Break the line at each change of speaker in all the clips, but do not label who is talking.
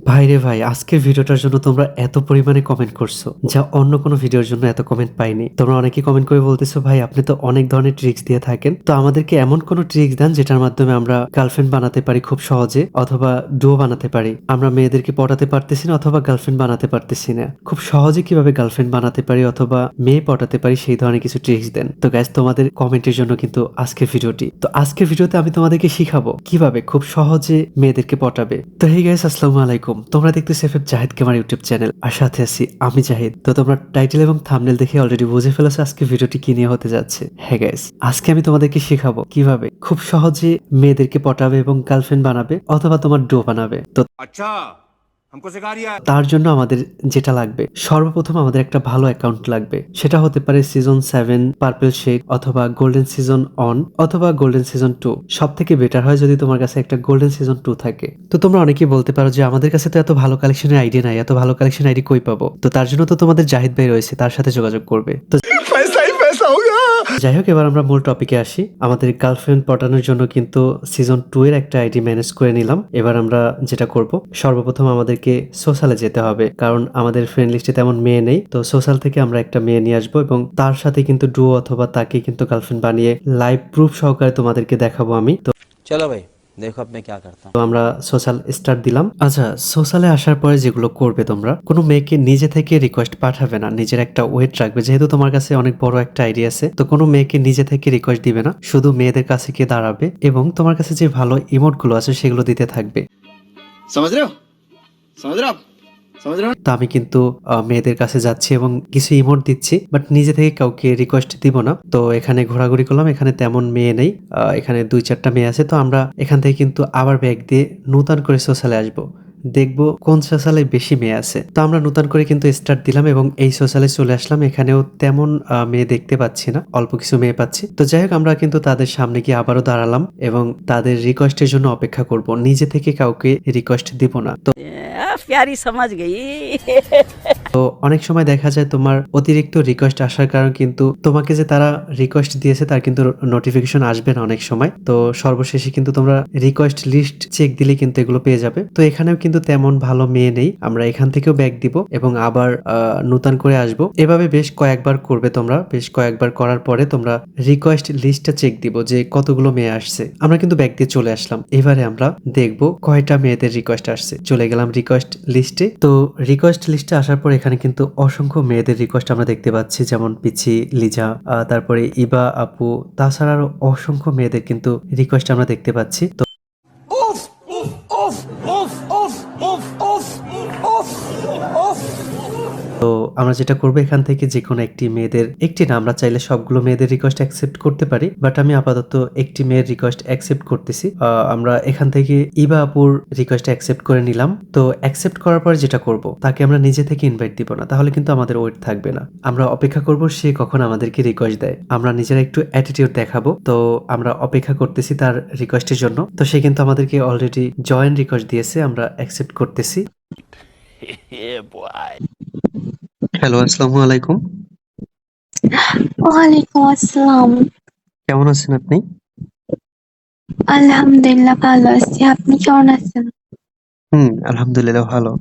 ভাইরে ভাই, আজকের ভিডিওটার জন্য তোমরা এত পরিমাণে কমেন্ট করছো যা অন্য কোনো ভিডিওর জন্য এত কমেন্ট পাইনি। তোমরা অনেকেই কমেন্ট করে বলতেছো, ভাই আপনি তো অনেক ধরনের ট্রিক্স দিয়ে থাকেন, তো আমাদেরকে এমন কোনো ট্রিক্স দেন যেটার মাধ্যমে আমরা গার্লফ্রেন্ড বানাতে পারি খুব সহজে, অথবা ডুও বানাতে পারি। আমরা মেয়েদেরকে পটাতে পারতেছি না অথবা গার্লফ্রেন্ড বানাতে পারতেছি না, খুব সহজে কিভাবে গার্লফ্রেন্ড বানাতে পারি অথবা মেয়ে পটাতে পারি সেই ধরনের কিছু ট্রিক্স দেন। তো গাইস, তোমাদের কমেন্টের জন্য কিন্তু আজকের ভিডিওটি। তো আজকের ভিডিওতে আমি তোমাদেরকে শিখাবো কিভাবে খুব সহজে মেয়েদেরকে পটাবে। তো হে গাইস, আসসালামু আলাইকুম। তোমরা দেখতেছো FF Zahid gamer YouTube channel, আর সাথে আছি আমি জাহিদ। তো তোমরা টাইটেল এবং থাম্বনেল দেখে অলরেডি বুঝে ফেলেছো আজকে ভিডিওটি কি নিয়ে হতে যাচ্ছে। হ্যাঁ গাইস, আজকে আমি তোমাদেরকে শেখাবো কিভাবে খুব সহজে মেয়েদেরকে পটাবে এবং গার্লফ্রেন্ড বানাবে অথবা তোমার ডো বানাবে। তো
अच्छा हमको सिखा रिया है।
তার জন্য আমাদের যেটা লাগবে, সর্বপ্রথম আমাদের একটা ভালো অ্যাকাউন্ট লাগবে। সেটা হতে পারে সিজন 7 পার্পল শেক অথবা গোল্ডেন সিজন অন অথবা গোল্ডেন সিজন 2। সব থেকে বেটার হয় যদি তোমার কাছে একটা গোল্ডেন সিজন 2 থাকে। তো তোমরা অনেকেই বলতে পারো যে আমাদের কাছে তো এত ভালো কালেকশনের আইডি নাই, এত ভালো কালেকশন আইডি কই পাবো? তো তার জন্য তো তোমাদের জাহিদ ভাই রয়েছে, তার সাথে যোগাযোগ করবে। তো
पैसा ही पैसा होगा।
যাই হোক, এবার আমরা মূল টপিকে আসি। আমাদের গার্লফ্রেন্ড পটানোর জন্য কিন্তু সিজন 2 এর একটা আইডি ম্যানেজ করে নিলাম। এবার আমরা যেটা করব, সর্বপ্রথম আমাদেরকে সোশ্যালে যেতে হবে, কারণ আমাদের ফ্রেন্ড লিস্টে তেমন মেয়ে নেই। তো সোশ্যাল থেকে আমরা একটা মেয়ে নিয়ে আসবো এবং তার সাথে কিন্তু ডুও অথবা তাকে কিন্তু গার্লফ্রেন্ড বানিয়ে লাইভ প্রুফ সহকারে তোমাদেরকে দেখাবো আমি। তো
चलो भाई देखो अब मैं क्या करता हूँ।
তো আমরা সোশ্যাল স্টার্ট দিলাম। আচ্ছা, সোশ্যালে আসার পরে যেগুলো করবে, তোমরা কোনো মেয়েকে নিজে থেকে রিকোয়েস্ট পাঠাবে না, নিজের একটা ওয়েট রাখবে। যেহেতু তোমার কাছে অনেক বড় একটা আইডিয়া আছে, তো কোনো মেয়েকে নিজে থেকে রিকোয়েস্ট দিবে না, শুধু মেয়েদের কাছে গিয়ে দাঁড়াবে এবং তোমার কাছে যে ভালো ইমোট গুলো আছে সেগুলো দিতে থাকবে।
समझ रहे हो समझ रहे हो आप समझ रहे हो।
তো আমি কিন্তু মেয়েদের কাছে যাচ্ছি এবং কিছু ইমোট দিচ্ছি, বাট নিজে থেকে কাউকে রিকোয়েস্ট দিব না। তো এখানে ঘোরাঘুরি করলাম, এখানে তেমন মেয়ে নেই, এখানে 2-4টা মেয়ে আছে। তো আমরা এখান থেকে কিন্তু আবার ব্যাগ দিয়ে নতুন করে সোশ্যালে আসবো, দেখবো কোন সোশ্যালে বেশি মেয়ে আছে। তো আমরা নতুন করে কিন্তু স্টার্ট দিলাম এবং এই সোশ্যালে চলে আসলাম। এখানেও তেমন মেয়ে দেখতে পাচ্ছি না, অল্প কিছু মেয়ে পাচ্ছি। তো যাই হোক, আমরা কিন্তু তাদের সামনে গিয়ে আবারও দাঁড়ালাম এবং তাদের রিকোয়েস্টের জন্য অপেক্ষা করব, নিজে থেকে কাউকে রিকোয়েস্ট দিব না। তো
प्यारी समझ गई।
তো অনেক সময় দেখা যায় তোমার অতিরিক্ত রিকোয়েস্ট আসার কারণ কিন্তু তোমাকে যে তারা রিকোয়েস্ট দিয়েছে তার কিন্তু নোটিফিকেশন আসবে না অনেক সময়। তো সর্বশেষে কিন্তু তোমরা রিকোয়েস্ট লিস্ট চেক দিলে কিন্তু এগুলো পেয়ে যাবে। তো এখানেও কিন্তু তেমন ভালো মেয়ে নেই, আমরা এখান থেকেও ব্যাক দিব এবং আবার নতুন করে আসব। এভাবে বেশ কয়েকবার করবে তোমরা, বেশ কয়েকবার করার পরে তোমরা রিকোয়েস্ট লিস্টটা চেক দিব যে কতগুলো মেয়ে আসছে। আমরা কিন্তু ব্যাক দিয়ে চলে আসলাম। এবারে আমরা দেখব কয়টা মেয়েদের রিকোয়েস্ট আসছে। চলে গেলাম রিকোয়েস্ট লিস্টে। তো রিকোয়েস্ট লিস্টে আসার পর এখানে কিন্তু অসংখ্য মেয়েদের রিকোয়েস্ট আমরা দেখতে পাচ্ছি, যেমন পিচি, লিজা, তারপরে ইবা আপু, তাছাড়া আরো অসংখ্য মেয়েদের কিন্তু রিকোয়েস্ট আমরা দেখতে পাচ্ছি। তো তো আমরা যেটা করবো, এখান থেকে যে কোনো একটি মেয়েদের একটি না, আমরা চাইলে সবগুলো মেয়েদের রিকোয়েস্ট অ্যাকসেপ্ট করতে পারি, বাট আমি আপাতত একটি মেয়ের রিকোয়েস্ট অ্যাকসেপ্ট করতেছি। আমরা এখান থেকে ইবা আপুর রিকোয়েস্ট অ্যাকসেপ্ট করে নিলাম। তো অ্যাকসেপ্ট করার পর যেটা করব, তাকে আমরা নিজে থেকে ইনভাইট দিব না, তাহলে কিন্তু আমাদের ওয়েট থাকবে না। আমরা অপেক্ষা করব সে কখন আমাদেরকে রিকোয়েস্ট দেয়, আমরা নিজেরা একটু অ্যাটিটিউড দেখাবো। তো আমরা অপেক্ষা করতেছি তার রিকোয়েস্টের জন্য। তো সে কিন্তু আমাদেরকে অলরেডি জয়েন রিকোয়েস্ট দিয়েছে, আমরা অ্যাকসেপ্ট করতেছি। হ্যালো, আসসালামু আলাইকুম।
ওয়ালাইকুম আসসালাম।
কেমন আছেন আপনি?
আলহামদুলিল্লাহ ভালো আছি। আপনি কেমন আছেন?
আলহামদুলিল্লাহ ভালো।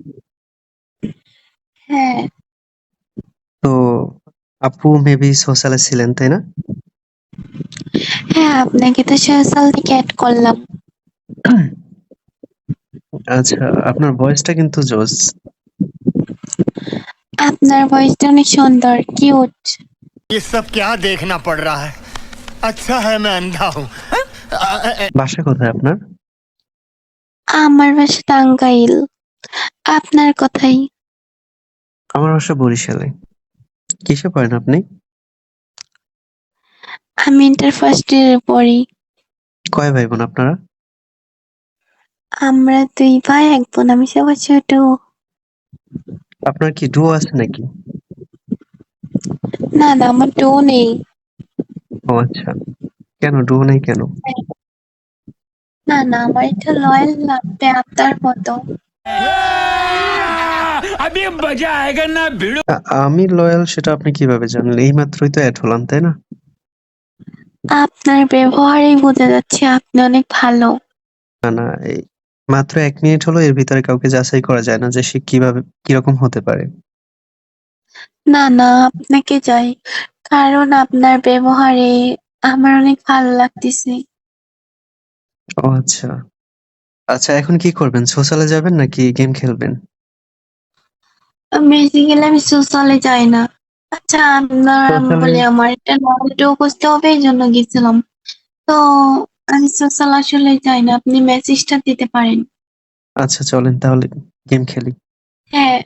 হ্যাঁ,
তো আপু মেবি সোশ্যালে ছিলেন, তাই না?
হ্যাঁ আপনাকে তো সোশ্যাল থেকে অ্যাড করলাম।
আচ্ছা, আপনার ভয়েসটা কিন্তু জোস।
আপনার ভয়েসটা অনেক সুন্দর, কিউট।
ये सब क्या देखना पड़ रहा है। अच्छा है मैं अंधा हूँ।
বাসা কোথায় আপনার?
আমার বাসা টাঙ্গাইল। আপনার কোথায়?
আমার বাসা বরিশালে। কিসে পড়েন আপনি?
আমি ইন্টার ফার্স্ট ইয়ারে পড়ি।
কয় ভাই বোন আপনারা?
আমরা 2 ভাই 1 বোন, আমি সবার ছোট।
আপনার কি ডুও আছে নাকি?
না না, আমার টো নেই।
ও আচ্ছা, কেন ডুও নাই কেন?
না না, আমার এটা লয়াল লাগবে আপনার মতো।
अभी मजा आएगा ना भिड़ो।
আমি লয়াল সেটা আপনি কিভাবে জানলেন? এই মাত্রই তো অ্যাড হলাম, তাই না?
আপনার ব্যবহারেই বোঝা যাচ্ছে আপনি অনেক ভালো।
না না, মাত্র 1 মিনিট হলো, এর ভিতরে কাউকে যাচাই করা যায় না যে সে কিভাবে কিরকম হতে পারে।
না না, আপনাকে চাই, কারণ আপনার ব্যবহারে আমার অনেক ভালো লাগতেছে।
ও আচ্ছা। আচ্ছা, এখন কি করবেন? সোশ্যালে যাবেন নাকি গেম খেলবেন?
বেসিক্যালি আমি সোশ্যালে যাই না। আচ্ছা, আপনার আমি
সোশ্যালে
বলি আমার একটা নলেজও খুঁজতে হবে এই জন্য গেছিলাম। তো আমি সোশ্যাল আসলে যাই না, আপনি মেসেজটা দিতে পারেন।
আচ্ছা, চলেন তাহলে গেম খেলি।
হ্যাঁ।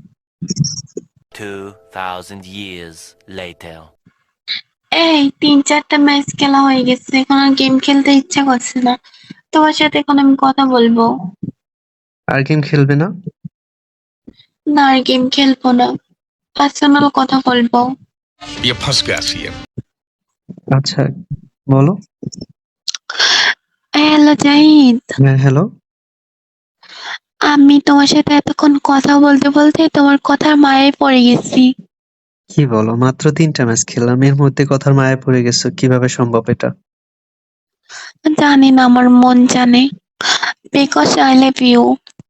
2,000 years later.
এই 3-4টা ম্যাচ খেলা হয়ে গেছে, এখন আর গেম খেলতে ইচ্ছা করছে না। তোমার সাথে এখন আমি কথা বলবো
আর গেম খেলবে না?
না, আর গেম খেলবো না, পার্সোনাল কথা বলবো।
ये फंस गया सीएम।
আচ্ছা, বলো।
হ্যালো জাহিদ,
হ্যাঁ, হ্যালো।
আমি তোমার সাথে এতক্ষণ কথা বলতে বলতে তোমার কথার মায়ায় পড়ে গেছি।
কি বলো? মাত্র 3টা ম্যাচ খেললাম, এর মধ্যে কথার মায়ায় পড়ে গেছো? কিভাবে সম্ভব এটা?
জানি না, আমার মন জানে, বিকজ আই লাভ ইউ।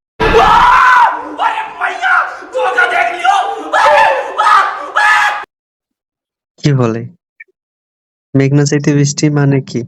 কি বলে? মেঘনা চাইতে বৃষ্টি মানে কি?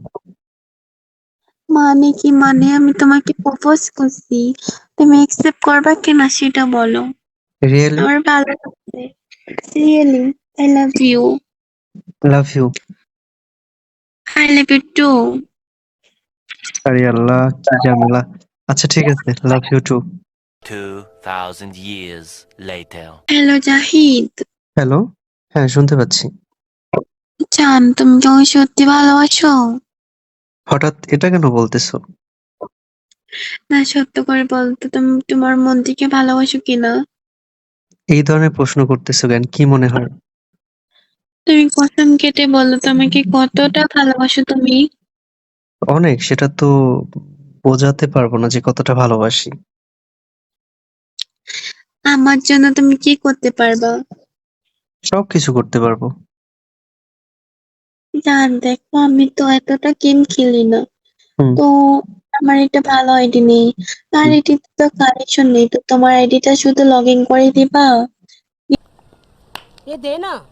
মানে কি মানে, আমি তোমাকে প্রপোজ করছি, তুমি একসেপ্ট করবা কিনা সেটা বলো।
রিয়েলি?
আমার ভালো লাগছে, really, I love you.
Love you?
I love you too.
আরে আল্লাহ, কি ঝামেলা। আচ্ছা ঠিক আছে, love you too.
2,000 years later.
Hello Zahid,
hello. হ্যাঁ, শুনতে পাচ্ছি।
জান তুমি কি আমাকে সত্যি ভালোবাসো?
হঠাৎ এটা কেন বলতেছো?
না, সত্য করে বলতো, তুমি তোমার মন থেকে ভালোবাসো কিনা?
এই ধরনের প্রশ্ন করতেছো কেন? কি মনে হয়?
তুমি কসম কেটে বলো তো, আমাকে কতটা ভালোবাসো তুমি?
অনেক, সেটা তো বোঝাতে পারবো না যে কতটা ভালোবাসি।
আমার জন্য তুমি কি করতে পারবা?
সবকিছু করতে পারবো।
জান দেখো, আমি তো এতটা গেম খেলি না,
হুম।
তো আমার একটা ভালো আইডি নেই, আর এটিতে তো কানেকশন নেই, তো তোমার আইডিটা শুধু লগ ইন করে দিবা।
ये दे ना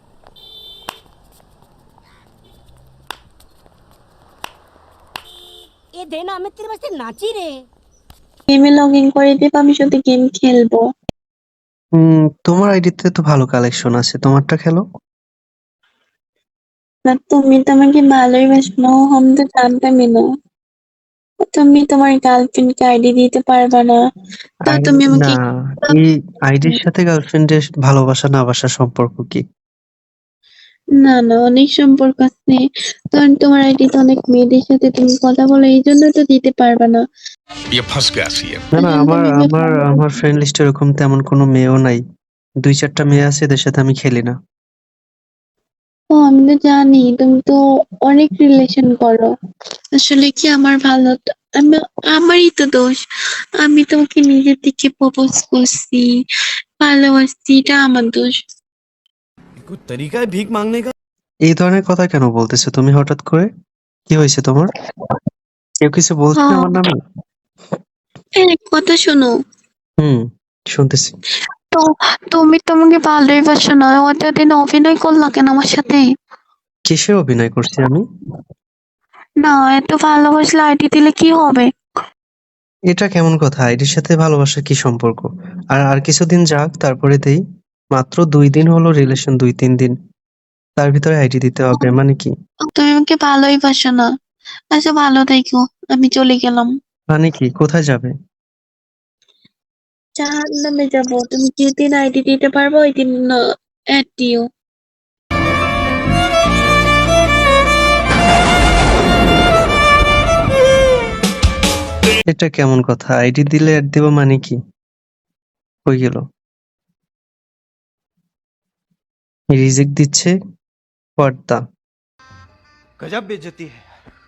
ये दे ना मैं तेरे वास्ते नाची रे
গেমে লগ ইন করে দিবা, আমি শুধু গেম খেলবো।
তোমার আইডিতে তো ভালো কালেকশন আছে, তোমারটা খেলো।
না, তুমি তো আমাকে ভালোই বাসো না, আমি তো জানতামই না। তুমি তোমার গার্লফ্রেন্ডকে আইডি দিতে পারবা না, তো তুমি
না,
আমাকে।
এই আইডির সাথে গার্লফ্রেন্ডের ভালোবাসা না বাসার সম্পর্ক কি?
না না, অনেক সম্পর্ক আছে, কারণ তোমার আইডিতে অনেক মেয়েদের সাথে তুমি কথা বলো, এই জন্য তো দিতে পারবা না।
ये फंस गया सीएम।
না না,
আসলে
আমার
তুমি
আমার আমার ফ্রেন্ড লিস্টে এরকম তেমন কোনো মেয়েও নাই। 2-4টা মেয়ে আছে, এদের সাথে আমি খেলি না।
ও, আমি তো জানি তুমি তো অনেক রিলেশন করো। আসলে কি, আমার ভালো আমি, আমারই তো দোষ, আমি তোমাকে নিজের থেকে প্রপোজ করছি, ভালোবাসছি, এটা আমার দোষ।
कोई तरीका है भीख मांगने का?
এই ধরনের কথা কেন বলতেছো তুমি হঠাৎ করে? কি হয়েছে তোমার? কেউ কিছু বলছে
হ্যাঁ,
আমার নামে?
কথা শোনো।
হুম, শুনতেছি।
তো তুমি তোমাকে ভালোই বাসো না, অতদিন অভিনয় করলা কেন আমার সাথে?
কিসে অভিনয় করছি আমি?
না, এত ভালোবাসলে আইডি দিলে কি হবে?
এটা কেমন কথা? আইডির সাথে ভালোবাসার কি সম্পর্ক? আর আর কিছুদিন যাক, তারপরে দেই। মাত্র 2 দিন হলো রিলেশন, 2-3 দিন, তার ভিতরে আইডি দিতে হবে মানে কি?
তুমি আমাকে ভালোই বাসো না। আচ্ছা, ভালো থেকো, আমি চলে গেলাম।
মানে কি? কোথায় যাবে?
জাহান্নামে যাবো, তুমি যেদিন আইডি দিতে পারবো ওই দিন অ্যাড দিও।
এটা কেমন কথা? আইডি দিলে অ্যাড দেবো মানে কি? কই গেল? রিজেক্ট দিচ্ছে। What the?
गजब बेइज्जती है।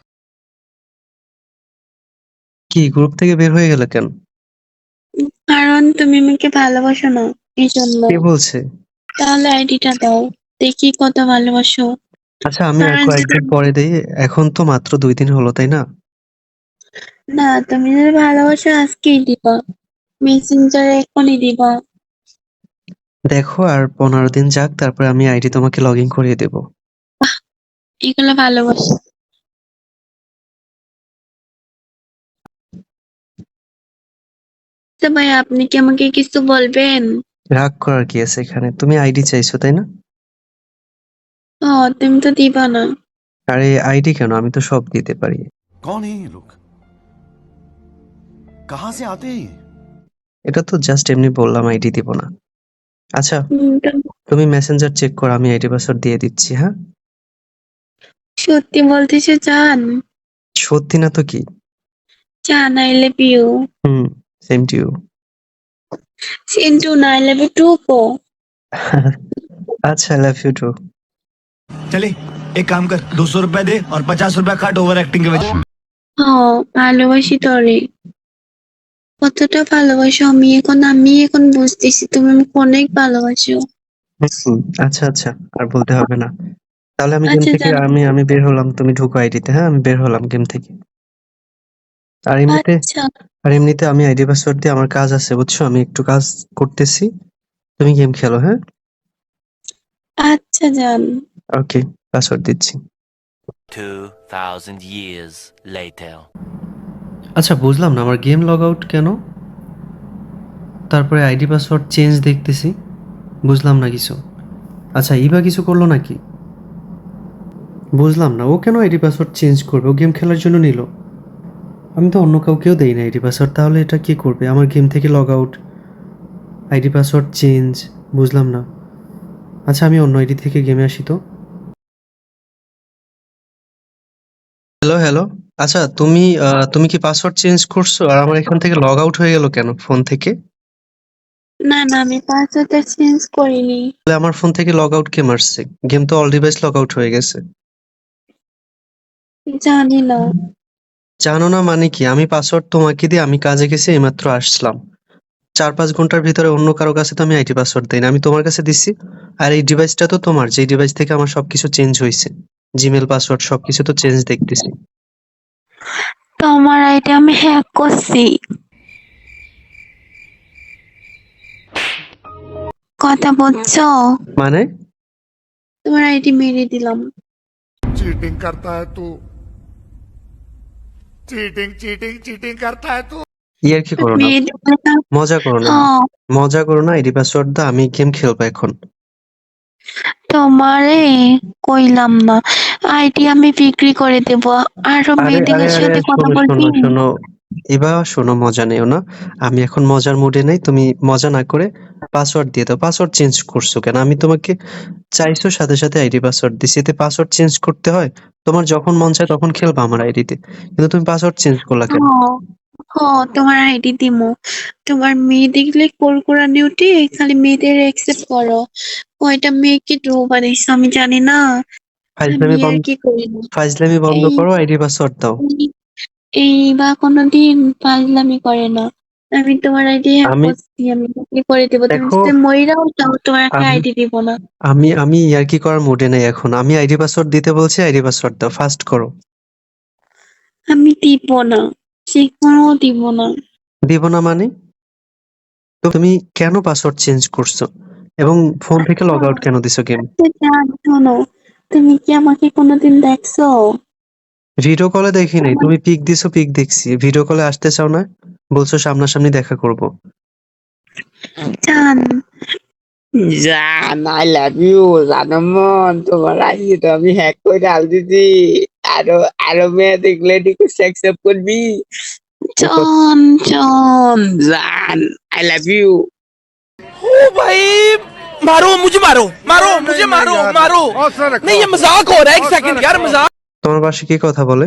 কি, গ্রুপ থেকে বের হয়ে গেল কেন?
কারণ তুমি আমাকে ভালোবাসো না, এই জন্য।
কে বলছে?
তাহলে আইডিটা দাও, দেখি কত ভালোবাসো।
আচ্ছা, আমি আর
কারণ
কয়েকদিন পরে দেই। এখন তো মাত্র 2 দিন হলো, তাই না?
না, তুমি যদি ভালোবাসো আজকেই দিবা, মেসেঞ্জারে এখনই দিবা।
দেখো আর 15 দিন যাক, তারপরে আমি আইডি তোমাকে লগ ইন করিয়ে দেবো।
এগুলো ভালোবাসা। তো ভাই আপনি কি আমাকে কিছু বলবেন?
রাগ করার কি আছে এখানে? তুমি আইডি চাইছো তাই না?
ও, তুমি তো দিবা না।
আরে আইডি কেন, আমি তো সব দিতে পারি।
कौन है ये लोग कहाँ से आते हैं ये?
এটা তো জাস্ট এমনি বললাম আইডি দিব না। আচ্ছা, তুমি মেসেঞ্জার চেক করো, আমি আইডি পাসওয়ার্ড দিয়ে দিচ্ছি। হ্যাঁ,
সত্যি বলতেছে চান?
সত্যি না তো কি?
চান I love you.
Hmm, same to you.
Sintu না, আই লাভ ইউ টু কো।
আচ্ছা, আই লাভ ইউ টু।
चले एक काम कर 200 रुपए दे और 50 रुपए काट ओवर एक्टिंग के वजह
হ্যাঁ, ভালোবাসি তোরে। কতটা ভালোবাসো আমি এখন বুঝতেছি তুমি আমাকে অনেক ভালোবাসো।
আচ্ছা আচ্ছা, আর বলতে হবে না। তাহলে আমি গেম
আচ্ছা
থেকে
জান।
আমি বের হলাম, তুমি ঢুকো আইডিতে। হ্যাঁ, আমি বের হলাম গেম থেকে।
আচ্ছা
আর এমনিতে আমি আইডি পাসওয়ার্ড দিয়ে আমার কাজ আছে, বুঝছো? আমি একটু কাজ করতেছি, তুমি গেম খেলো। হ্যাঁ,
আচ্ছা জান।
ওকে, পাসওয়ার্ড দিচ্ছি।
2000 years later.
আচ্ছা, বুঝলাম না আমার গেম লগ আউট কেন, তারপরে আইডি পাসওয়ার্ড চেঞ্জ দেখতেছি, বুঝলাম না কিছু। আচ্ছা, ইবা কিছু করলো নাকি? বুঝলাম না, ও কেন আইডি পাসওয়ার্ড চেঞ্জ করবে? ও গেম খেলার জন্য নিল, আমি তো অন্য কাউকেও দেই না আইডি পাসওয়ার্ড। তাহলে এটা কি করবে? আমার গেম থেকে log out, ID password change, বুঝলাম না। আচ্ছা, আমি অন্য আইডি থেকে গেমে আসি তো। হ্যালো হ্যালো, আচ্ছা তুমি কি পাসওয়ার্ড চেঞ্জ করছো? আর আমার এখান থেকে লগ আউট হয়ে গেল কেন ফোন থেকে?
না না, আমি পাসওয়ার্ডটা চেঞ্জ করিনি।
তাহলে আমার ফোন থেকে লগ আউট কে মারছে? গেম তো অল ডিভাইস লগ আউট হয়ে গেছে।
জানি না।
জানো না মানে কি? আমি পাসওয়ার্ড তোমাকে দিয়ে আমি কাজে গেছি, এইমাত্র আসলাম। 4-5 ঘন্টার ভিতরে অন্য কারো কাছে তো আমি আইডি পাসওয়ার্ড দেই না, আমি তোমার কাছে দিছি। আর এই ডিভাইসটা তো তোমার, যেই ডিভাইস থেকে আমার সবকিছু চেঞ্জ হয়েছে, জিমেল পাসওয়ার্ড সবকিছু তো চেঞ্জ দেখতেছি।
তোমার আইডি আমি হ্যাক করছি। কথা বলছো?
মানে?
তোমার আইডি মেরে দিলাম।
चीटिंग करता है तू चीटिंग चीटिंग चीटिंग करता है तू
ইয়ার কি করো না,
মেরে দিলাম।
মজা করো না,
হ্যাঁ,
মজা করো না। আইডি পাসওয়ার্ড দাও, আমি গেম খেলবো এখন।
তোমারে কইলাম না, আইডি আমি বিক্রি করে দেব। আরো
আরে আরে
মেয়েদের
আরে
সাথে কথা
শোনো
বলবি?
শোনো শোনো, এবার শোনো, মজা নেও না। আমি এখন মজার মুডে নেই, তুমি মজা না করে পাসওয়ার্ড দিয়ে দাও। পাসওয়ার্ড চেঞ্জ করছো কেন? আমি তোমাকে চাইছো সাথে সাথে আইডি পাসওয়ার্ড দিছি, এতে পাসওয়ার্ড চেঞ্জ করতে হয়? তোমার যখন মন চায় তখন খেলবা আমার আইডিতে, কিন্তু তুমি পাসওয়ার্ড চেঞ্জ করলা কেন?
হ্যাঁ হ্যাঁ, তোমার আইডি দিমু। তোমার মেয়ে দেখলে কোরকুরানি উঠে খালি মেয়েদের অ্যাকসেপ্ট করো। কয়টা মেয়েকে ড্রো বানাইছো আমি জানি না। আমি
ফাইজলামি
আর
বন্ধ,
কি করি না।
ফাইজলামি বন্ধ
এই
করো, আইডি পাসওয়ার্ড দাও।
এই বা কোনোদিন ফাজলামি করে না। আমি তোমার আইডি হ্যাক
আমি
করছি, আমি বিক্রি করে দেবো। তুমি
দেখো,
যদি মইরাও তাও তোমাকে
আমি
আইডি দিব না।
আমি ইয়ার্কি করার মুডে নেই এখন। আমি আইডি পাসওয়ার্ড দিতে বলছি, আইডি পাসওয়ার্ড দাও, ফাস্ট করো।
আমি দিব না, সেখানেও দিব না।
দিব না মানে? তো তুমি কেন পাসওয়ার্ড চেঞ্জ করছো এবং ফোন থেকে লগ আউট কেন দিছো গেম?
আচ্ছা জান, শোনো, তুমি কি আমাকে কোনোদিন দেখছো?
ভিডিও কলে দেখি নাই, তুমি পিক দিছো, পিক দেখছি। ভিডিও কলে আসতে চাও না, বলছো সামনাসামনি দেখা করব।
জান,
জান আই লাভ ইউ জানো মন তোমার আইডি তো আমি হ্যাক করে ডাল দিছি আরো আরো মেয়ে দেখলে রিকোয়েস্ট অ্যাকসেপ্ট করবি
জান,
জান জান আই লাভ ইউ
ओ भाई मारो मुझे मारो मारो मुझे मारो मारो नहीं ये मजाक हो रहा है एक सेकंड यार मजाक
তোমার বাসে কি কথা বলে?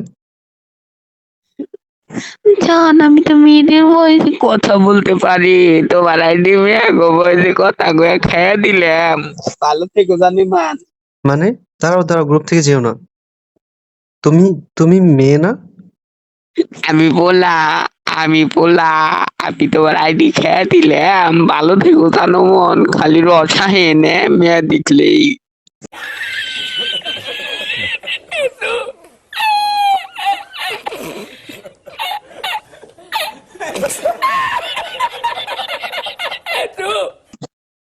জান, আমি তো মেয়েদের বয়সে
কথা বলতে পারি তোমার আইডি মেয়ে গো বয়সে কথা গো খেয়ে দিলাম ভালো থেকো জানি মান
মানে? দাঁড়াও দাঁড়াও, গ্রুপ থেকে যেও না। তুমি তুমি মেয়ে না?
আমি বলা আমি বলা আমি তোমার আইডি খেয়ে দিলাম ভালো থেকো জানো মন খালি রসা হেনে মেয়ে দেখলেই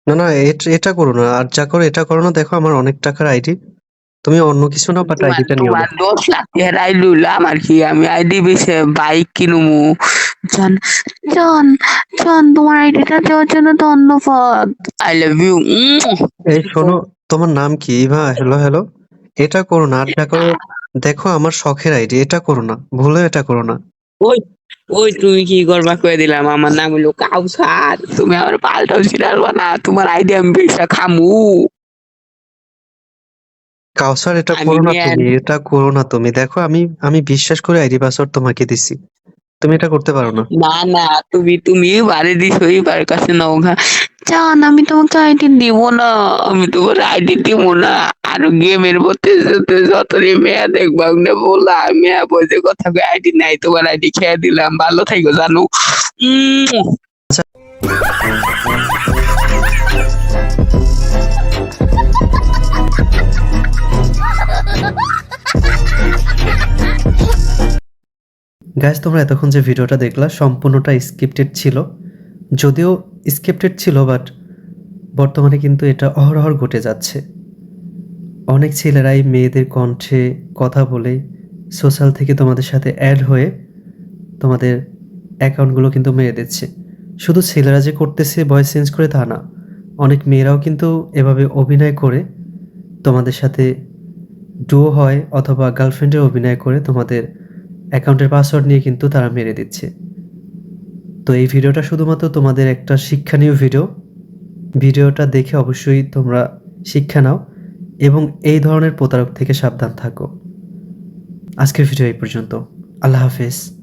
না না, এটা করো না, আর যা করো এটা করো না। দেখো আমার অনেক টাকার আইডি, তুমি অন্য কিছু নাও, বাট আইডিটা নিও না।
তোমার 10 লাখ টাকার আইডি হইলো আমার কি? আমি আইডি বেচে বাইক কিনবো। জান জান জান, তোমার আইডিটা দেওয়ার জন্য ধন্যবাদ। I love you.
এই শোনো, তোমার নাম কি? Eva, hello hello. এটা করো না, আর যা করো। দেখো আমার শখের আইডি, এটা করো না, ভুলে এটা করো না।
ওই ওই তুমি কি করবা কয়ে দিলাম, আমার নাম হলো কাউসার। তুমি আমার পাল্টাও ছিড়ালবা না, তোমার আইডি আমি বেচা খামু।
কাউসার, এটা
আমি
করো না
নিয়ে
তুমি, এটা করো না তুমি। দেখো আমি বিশ্বাস করে আইডি পাসওয়ার্ড তোমাকে দিছি, তুমি এটা করতে পারো না।
না না, তুমি বাড়ি দিছো এবার কাছে নাও ঘা। জান আমি তোমাকে আইডি দিব না, আমি তোমার আইডি দিব না। আর গেমের মধ্যে যতই মেয়া দেখবা ওগুলো বললা, মেয়া বলতে কথা কই আইডি নাই, তোমার আইডি খেয়ে দিলাম, ভালো থাকো জানো।
গাইস, তোমরা এতক্ষণ যে ভিডিওটা দেখলা সম্পূর্ণটা স্ক্রিপ্টেড ছিল। যদিও স্ক্রিপ্টেড ছিল, বাট বর্তমানে কিন্তু এটা অহরহ ঘটে যাচ্ছে। অনেক ছেলেরাই মেয়েদের কণ্ঠে কথা বলে সোশ্যাল থেকে তোমাদের সাথে অ্যাড হয়ে তোমাদের অ্যাকাউন্টগুলো কিন্তু মেরে দিচ্ছে। শুধু ছেলেরা যে করতেছে ভয়েস চেঞ্জ করে তা না, অনেক মেয়েরাও কিন্তু এভাবে অভিনয় করে তোমাদের সাথে ডুও হয় অথবা গার্লফ্রেন্ডের অভিনয় করে তোমাদের অ্যাকাউন্টের পাসওয়ার্ড নিয়ে কিন্তু তারা মেরে দিচ্ছে। তো এই ভিডিওটা শুধুমাত্র তোমাদের একটা শিক্ষণীয় ভিডিওটা দেখে অবশ্যই তোমরা শিক্ষা নাও এবং এই ধরনের প্রতারক থেকে সাবধান থাকো। আজকের ভিডিও এই পর্যন্ত। আল্লাহ হাফেজ।